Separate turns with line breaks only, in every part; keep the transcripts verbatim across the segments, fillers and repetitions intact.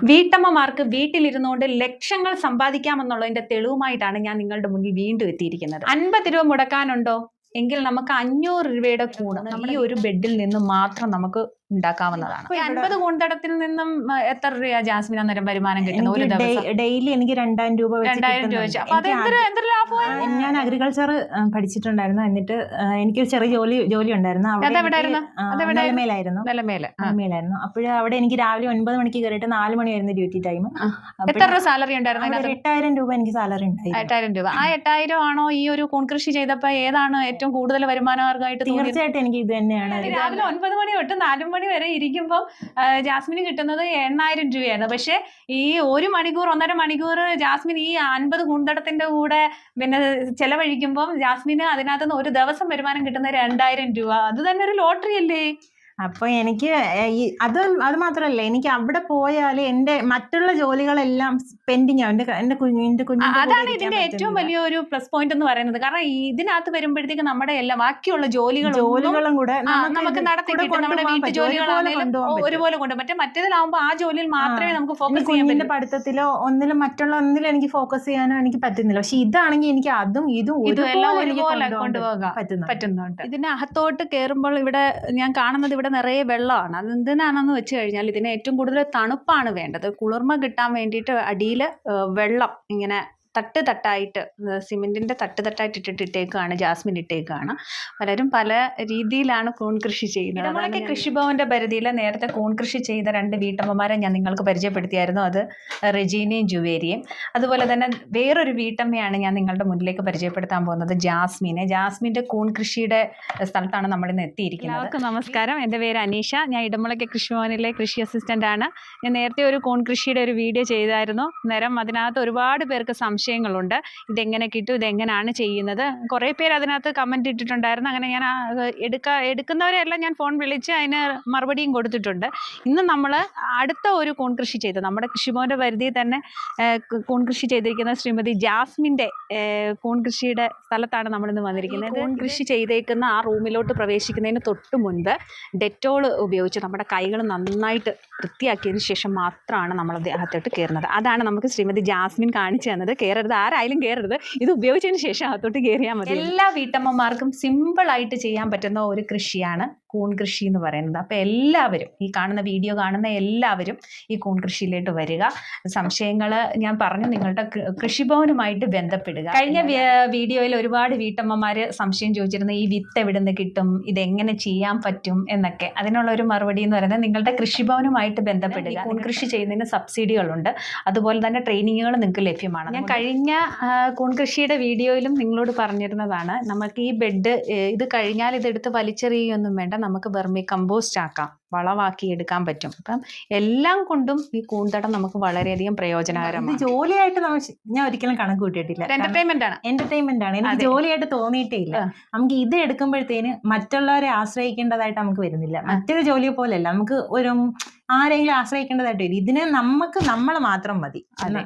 വീട്ടമ്മമാർക്ക് വീട്ടിലിരുന്നുകൊണ്ട് ലക്ഷങ്ങൾ സമ്പാദിക്കാമെന്നുള്ളതിന്റെ തെളിവുമായിട്ടാണ് ഞാൻ നിങ്ങളുടെ മുന്നിൽ വീണ്ടും എത്തിയിരിക്കുന്നത്. അൻപത് രൂപ മുടക്കാനുണ്ടോ എങ്കിൽ നമുക്ക് അഞ്ഞൂറ് രൂപയുടെ കൂണ് ഈ ഒരു ബെഡിൽ നിന്ന് മാത്രം നമുക്ക് ഉണ്ടാക്കാവുന്നതാണ്. ഈ അൻപത് കൂന്തടത്തിൽ നിന്നും എത്ര രൂപ ജാസ്മിൻ അന്നേരം വരുമാനം കിട്ടുന്ന ഒരു ദിവസം?
ഡെയിലി എനിക്ക് രണ്ടായിരം രൂപ
രണ്ടായിരം രൂപ വെച്ച്. അപ്പൊ എന്തൊരു ലാഭമാണ്.
ഞാൻ അഗ്രികൾച്ചർ പഠിച്ചിട്ടുണ്ടായിരുന്നു. എന്നിട്ട് എനിക്കൊരു ചെറിയ ജോലി ജോലി ഉണ്ടായിരുന്നു. നിലമേലായിരുന്നു നിലമേലായിരുന്നു അപ്പോഴ് അവിടെ എനിക്ക് രാവിലെ ഒൻപത് മണിക്ക് കയറിയിട്ട് നാല് മണിയായിരുന്നു ഡ്യൂട്ടി ടൈം.
എത്ര രൂപ സാലറി ഉണ്ടായിരുന്നു?
എട്ടായിരം രൂപ എനിക്ക് സാലറി ഉണ്ടായിരുന്നു.
എട്ടായിരം രൂപ. ആ എട്ടായിരം ആണോ ഈ ഒരു കൂൺ കൃഷി ചെയ്തപ്പോ ഏതാണ് ഏറ്റവും കൂടുതൽ വരുമാനമാർഗമായിട്ട്?
തീർച്ചയായിട്ടും എനിക്ക് ഇത് തന്നെയാണ്.
രാവിലെ ഒൻപത് മണി തൊട്ട് നാല് മണി വരെ ഇരിക്കുമ്പോൾ ജാസ്മിന് കിട്ടുന്നത് എണ്ണായിരം രൂപയാണ്. പക്ഷെ ഈ ഒരു മണിക്കൂർ ഒന്നര മണിക്കൂർ ജാസ്മിൻ ഈ അൻപത് കൂന്തടത്തിന്റെ കൂടെ പിന്നെ ചെലവഴിക്കുമ്പോൾ ജാസ്മിന് അതിനകത്തുനിന്ന് ഒരു ദിവസം വരുമാനം കിട്ടുന്ന രണ്ടായിരം രൂപ. അത് തന്നെ ഒരു ലോട്ടറി അല്ലേ?
അപ്പൊ എനിക്ക് അത് അത് മാത്രല്ല, എനിക്ക് അവിടെ പോയാൽ എന്റെ മറ്റുള്ള ജോലികളെല്ലാം പെൻഡിങ് ആവും. എന്റെ കുഞ്ഞിന്റെ കുഞ്ഞു
അതാണ് ഇതിന്റെ ഏറ്റവും വലിയൊരു പ്ലസ് പോയിന്റ് എന്ന് പറയുന്നത്. കാരണം ഇതിനകത്ത് വരുമ്പോഴത്തേക്ക് നമ്മുടെ എല്ലാ ബാക്കിയുള്ള ജോലികളും
ജോലികളും കൂടെ
നമുക്ക് നടത്തി നമ്മുടെ വീട്ടു ജോലികളാണെങ്കിലും ഒരുപോലെ കൊണ്ട് മറ്റേ മറ്റേതിലാവുമ്പോൾ ആ ജോലിയിൽ മാത്രമേ നമുക്ക് ഫോക്കസ് ചെയ്യാൻ പറ്റൂ.
പഠിത്തത്തിലോ ഒന്നിലും മറ്റുള്ള ഒന്നിലും എനിക്ക് ഫോക്കസ് ചെയ്യാനോ എനിക്ക് പറ്റുന്നില്ല. പക്ഷെ ഇതാണെങ്കിൽ എനിക്ക് അതും ഇതും
ഇതെല്ലാം ഒരുപോലെ കൊണ്ടുപോകാൻ പറ്റുന്നുണ്ട്. ഇതിന്റെ അകത്തോട്ട് കയറുമ്പോൾ ഇവിടെ ഞാൻ കാണുന്നത് ഇവിടെ നിറയെ വെള്ളമാണ്. അത് എന്തിനാണെന്ന് വെച്ച് കഴിഞ്ഞാൽ ഇതിന് ഏറ്റവും കൂടുതൽ തണുപ്പാണ് വേണ്ടത്. കുളിർമ കിട്ടാൻ വേണ്ടിയിട്ട് അടിയിൽ വെള്ളം ഇങ്ങനെ തട്ട് തട്ടായിട്ട് സിമെന്റിന്റെ തട്ട് തട്ടായിട്ട് ഇട്ടിട്ട് ഇട്ടേക്കാണ് ജാസ്മിൻ ഇട്ടേക്കാണ്. പലരും പല രീതിയിലാണ് കൂൺ കൃഷി ചെയ്യുന്നത്. നമ്മളൊക്കെ കൃഷിഭവന്റെ പരിധിയിൽ നേരത്തെ കൂൺ കൃഷി ചെയ്ത രണ്ട് വീട്ടമ്മമാരെ ഞാൻ നിങ്ങൾക്ക് പരിചയപ്പെടുത്തിയായിരുന്നു. അത് റെജീനയും ജുവേരിയും. അതുപോലെ തന്നെ വേറൊരു വീട്ടമ്മയാണ് ഞാൻ നിങ്ങളുടെ മുന്നിലേക്ക് പരിചയപ്പെടുത്താൻ പോകുന്നത്, ജാസ്മിനെ. ജാസ്മിന്റെ കൂൺ കൃഷിയുടെ സ്ഥലത്താണ് നമ്മളിന്ന് എത്തിയിരിക്കുന്നത്. എല്ലാവർക്കും നമസ്കാരം. എൻ്റെ പേര് അനീഷ. ഞാൻ ഇടമുളയ്ക്ക് കൃഷിഭവനിലെ കൃഷി അസിസ്റ്റന്റ് ആണ്. ഞാൻ നേരത്തെ ഒരു കൂൺ കൃഷിയുടെ ഒരു വീഡിയോ ചെയ്തായിരുന്നു. നേരം അതിനകത്ത് ഒരുപാട് പേർക്ക് സംശയം സംശയങ്ങളുണ്ട്. ഇതെങ്ങനെ കിട്ടും, ഇതെങ്ങനെയാണ് ചെയ്യുന്നത്, കുറേ പേര് അതിനകത്ത് കമൻറ്റ് ഇട്ടിട്ടുണ്ടായിരുന്നു. അങ്ങനെ ഞാൻ എടുക്ക എടുക്കുന്നവരെല്ലാം ഞാൻ ഫോൺ വിളിച്ച് അതിന് മറുപടിയും കൊടുത്തിട്ടുണ്ട്. ഇന്ന് നമ്മൾ അടുത്ത ഒരു കൂൺ കൃഷി ചെയ്ത് നമ്മുടെ കൃഷിഭവൻ്റെ പരിധിയിൽ തന്നെ കൂൺ കൃഷി ചെയ്തിരിക്കുന്ന ശ്രീമതി ജാസ്മിൻ്റെ കൂൺ കൃഷിയുടെ സ്ഥലത്താണ് നമ്മളിന്ന് വന്നിരിക്കുന്നത്. കൂൺ കൃഷി ചെയ്തേക്കുന്ന ആ റൂമിലോട്ട് പ്രവേശിക്കുന്നതിന് തൊട്ട് മുൻപ് ഡെറ്റോൾ ഉപയോഗിച്ച് നമ്മുടെ കൈകൾ നന്നായിട്ട് വൃത്തിയാക്കിയതിന് ശേഷം മാത്രമാണ് നമ്മൾ അകത്തോട്ട് കയറുന്നത്. അതാണ് നമുക്ക് ശ്രീമതി ജാസ്മിൻ കാണിച്ചു തന്നത്. കയറരുത്, ആരായാലും കയറരുത്, ഇത് ഉപയോഗിച്ചതിന് ശേഷം അകത്തോട്ട് കയറിയാൽ മതി. എല്ലാ വീട്ടമ്മമാർക്കും സിമ്പിളായിട്ട് ചെയ്യാൻ പറ്റുന്ന ഒരു കൃഷിയാണ് കൂൺ കൃഷി എന്ന് പറയുന്നത്. അപ്പോൾ എല്ലാവരും ഈ കാണുന്ന വീഡിയോ കാണുന്ന എല്ലാവരും ഈ കൂൺ കൃഷിയിലോട്ട് വരിക. സംശയങ്ങൾ ഞാൻ പറഞ്ഞു നിങ്ങളുടെ കൃഷിഭവനുമായിട്ട് ബന്ധപ്പെടുക. കഴിഞ്ഞ വീഡിയോയിൽ ഒരുപാട് വീട്ടമ്മമാർ സംശയം ചോദിച്ചിരുന്നു, ഈ വിത്ത് എവിടെ നിന്ന് കിട്ടും, ഇതെങ്ങനെ ചെയ്യാൻ പറ്റും എന്നൊക്കെ. അതിനുള്ള ഒരു മറുപടി എന്ന് പറയുന്നത് നിങ്ങളുടെ കൃഷിഭവനുമായിട്ട് ബന്ധപ്പെടുക. കൂൺ കൃഷി ചെയ്യുന്നതിന് സബ്സിഡികളുണ്ട്, അതുപോലെ തന്നെ ട്രെയിനിങ്ങുകൾ നിങ്ങൾക്ക് ലഭ്യമാണ്. ഞാൻ കഴിഞ്ഞ കൂൺ കൃഷിയുടെ വീഡിയോയിലും നിങ്ങളോട് പറഞ്ഞിരുന്നതാണ്, നമുക്ക് ഈ ബെഡ് ഇത് കഴിഞ്ഞാൽ ഇതെടുത്ത് വലിച്ചെറിയൊന്നും വേണ്ട, നമുക്ക് വെർമി കമ്പോസ്റ്റ് ആക്കാം, വളമാക്കി എടുക്കാൻ പറ്റും. അപ്പം എല്ലാം കൊണ്ടും ഈ കൂന്തടം നമുക്ക് വളരെയധികം പ്രയോജനകരമാണ്.
ജോലിയായിട്ട് ഞാൻ ഒരിക്കലും കണക്ക് കൂട്ടിയിട്ടില്ല.
എന്റർടൈൻമെന്റ് ആണ്
എന്റർടൈൻമെന്റ് ആണ് എനിക്ക് ജോലിയായിട്ട് തോന്നിയിട്ടേ ഇല്ല. നമുക്ക് ഇത് എടുക്കുമ്പോഴത്തേന് മറ്റുള്ളവരെ ആശ്രയിക്കേണ്ടതായിട്ട് നമുക്ക് വരുന്നില്ല. മറ്റൊരു ജോലിയെ പോലെയല്ല, നമുക്ക് ഒരു ആരെങ്കിലും ആശ്രയിക്കേണ്ടതായിട്ട് വരും. ഇതിന് നമുക്ക് നമ്മൾ മാത്രം മതി.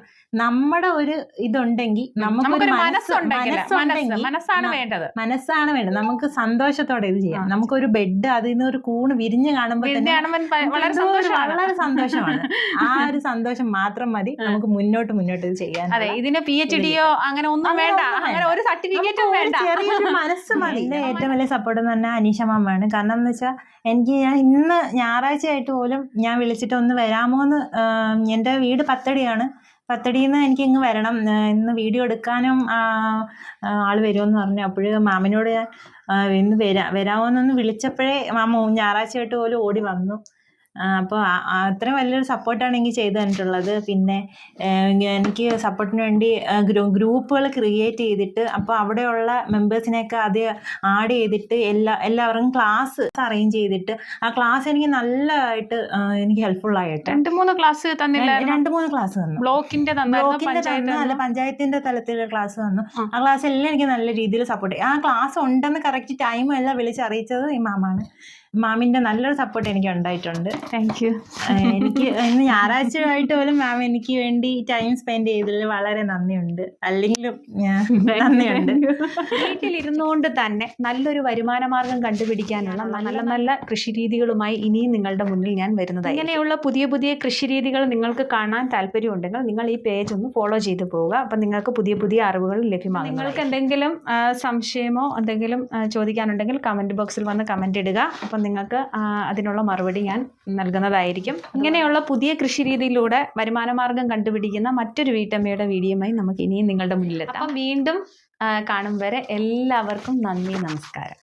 നമ്മുടെ ഒരു ഇതുണ്ടെങ്കിൽ നമുക്കൊരു
മനസ്സാണ് വേണ്ടത്
മനസ്സാണ് വേണ്ടത് നമുക്ക് സന്തോഷത്തോടെ ഇത് ചെയ്യാം. നമുക്കൊരു ബെഡ് അതിൽ നിന്ന് ഒരു കൂണ് വിരിഞ്ഞ് കാണുമ്പോൾ വളരെ സന്തോഷമാണ്. ആ ഒരു സന്തോഷം മാത്രം മതി നമുക്ക് മുന്നോട്ട് മുന്നോട്ട് ഇത് ചെയ്യാൻ.
അതെ, ഇതിന് പി എച്ച് ഡിയോ അങ്ങനെ ഒന്നും വേണ്ട, അങ്ങനെ ഒരു സർട്ടിഫിക്കറ്റും വേണ്ട,
ചെറിയൊരു മനസ്സ് മതി. ഇതിന്റെ ഏറ്റവും വലിയ സപ്പോർട്ട് എന്ന് പറഞ്ഞാൽ അനീഷ മാമാണ്. കാരണം എന്ന് വെച്ചാൽ എനിക്ക് ഞാൻ ഇന്ന് ഞായറാഴ്ച ആയിട്ട് പോലും ഞാൻ വിളിച്ചിട്ട് ഒന്ന് വരാമോന്ന്, എൻ്റെ വീട് പത്തടിയാണ്, പത്തടിയിൽ നിന്ന് എനിക്ക് ഇങ്ങ് വരണം, ഇന്ന് വീഡിയോ എടുക്കാനും ആൾ വരുമെന്ന് പറഞ്ഞു. അപ്പോഴ് മാമനോട് ഞാൻ ഇന്ന് വരാ വരാമോന്നൊന്ന് വിളിച്ചപ്പോഴേ മാമ ഞായറാഴ്ചയായിട്ട് പോലും ഓടി വന്നു. അപ്പോൾ അത്രയും വലിയൊരു സപ്പോർട്ടാണ് എനിക്ക് ചെയ്തു തന്നിട്ടുള്ളത്. പിന്നെ എനിക്ക് സപ്പോർട്ടിന് വേണ്ടി ഗ്രൂപ്പുകൾ ക്രിയേറ്റ് ചെയ്തിട്ട് അപ്പോൾ അവിടെയുള്ള മെമ്പേഴ്സിനെയൊക്കെ അത് ആഡ് ചെയ്തിട്ട് എല്ലാ എല്ലാവർക്കും ക്ലാസ് അറേഞ്ച് ചെയ്തിട്ട് ആ ക്ലാസ് എനിക്ക് നല്ലതായിട്ട് എനിക്ക് ഹെൽപ്ഫുൾ ആയിട്ട്
രണ്ട് മൂന്ന് ക്ലാസ് തന്നില്ല
രണ്ട് മൂന്ന് ക്ലാസ് തന്നു.
ബ്ലോക്കിന്റെ
ബ്ലോക്കിന്റെ അല്ല പഞ്ചായത്തിന്റെ തലത്തിലുള്ള ക്ലാസ് തന്നു. ആ ക്ലാസ് എല്ലാം എനിക്ക് നല്ല രീതിയിൽ സപ്പോർട്ട് ചെയ്യും. ആ ക്ലാസ് ഉണ്ടെന്ന് കറക്റ്റ് ടൈം എല്ലാം വിളിച്ചറിയിച്ചത് ഈ മാമാണ്. മാമിന്റെ നല്ലൊരു സപ്പോർട്ട് എനിക്ക് ഉണ്ടായിട്ടുണ്ട്.
Thank you.
എനിക്ക് ഇന്ന് ഞായറാഴ്ചയായിട്ട് പോലും മാം എനിക്ക് വേണ്ടി ടൈം സ്പെൻഡ് ചെയ്തതിൽ വളരെ നന്ദിയുണ്ട്. അല്ലെങ്കിലും നന്ദിയുണ്ട്.
വീട്ടിലിരുന്നുകൊണ്ട് തന്നെ നല്ലൊരു വരുമാന മാർഗം കണ്ടുപിടിക്കാനുള്ള നല്ല നല്ല കൃഷി രീതികളുമായി ഇനിയും നിങ്ങളുടെ മുന്നിൽ ഞാൻ വരുന്നത്. ഇങ്ങനെയുള്ള പുതിയ പുതിയ കൃഷി രീതികൾ നിങ്ങൾക്ക് കാണാൻ താല്പര്യമുണ്ടെങ്കിൽ നിങ്ങൾ ഈ പേജ് ഒന്ന് ഫോളോ ചെയ്ത് പോവുക. അപ്പം നിങ്ങൾക്ക് പുതിയ പുതിയ അറിവുകൾ ലഭ്യമാകും. നിങ്ങൾക്ക് എന്തെങ്കിലും സംശയമോ എന്തെങ്കിലും ചോദിക്കാനുണ്ടെങ്കിൽ കമൻറ്റ് ബോക്സിൽ വന്ന് കമൻറ്റ് ഇടുക. അപ്പം നിങ്ങൾക്ക് അതിനുള്ള മറുപടി ഞാൻ നൽകുന്നതായിരിക്കും. ഇങ്ങനെയുള്ള പുതിയ കൃഷി രീതിയിലൂടെ വരുമാന മാർഗം കണ്ടുപിടിക്കുന്ന മറ്റൊരു വീട്ടമ്മയുടെ വീഡിയോയുമായി നമുക്ക് ഇനിയും നിങ്ങളുടെ മുന്നിലെത്താം. അപ്പം വീണ്ടും കാണും വരെ എല്ലാവർക്കും നന്ദി, നമസ്കാരം.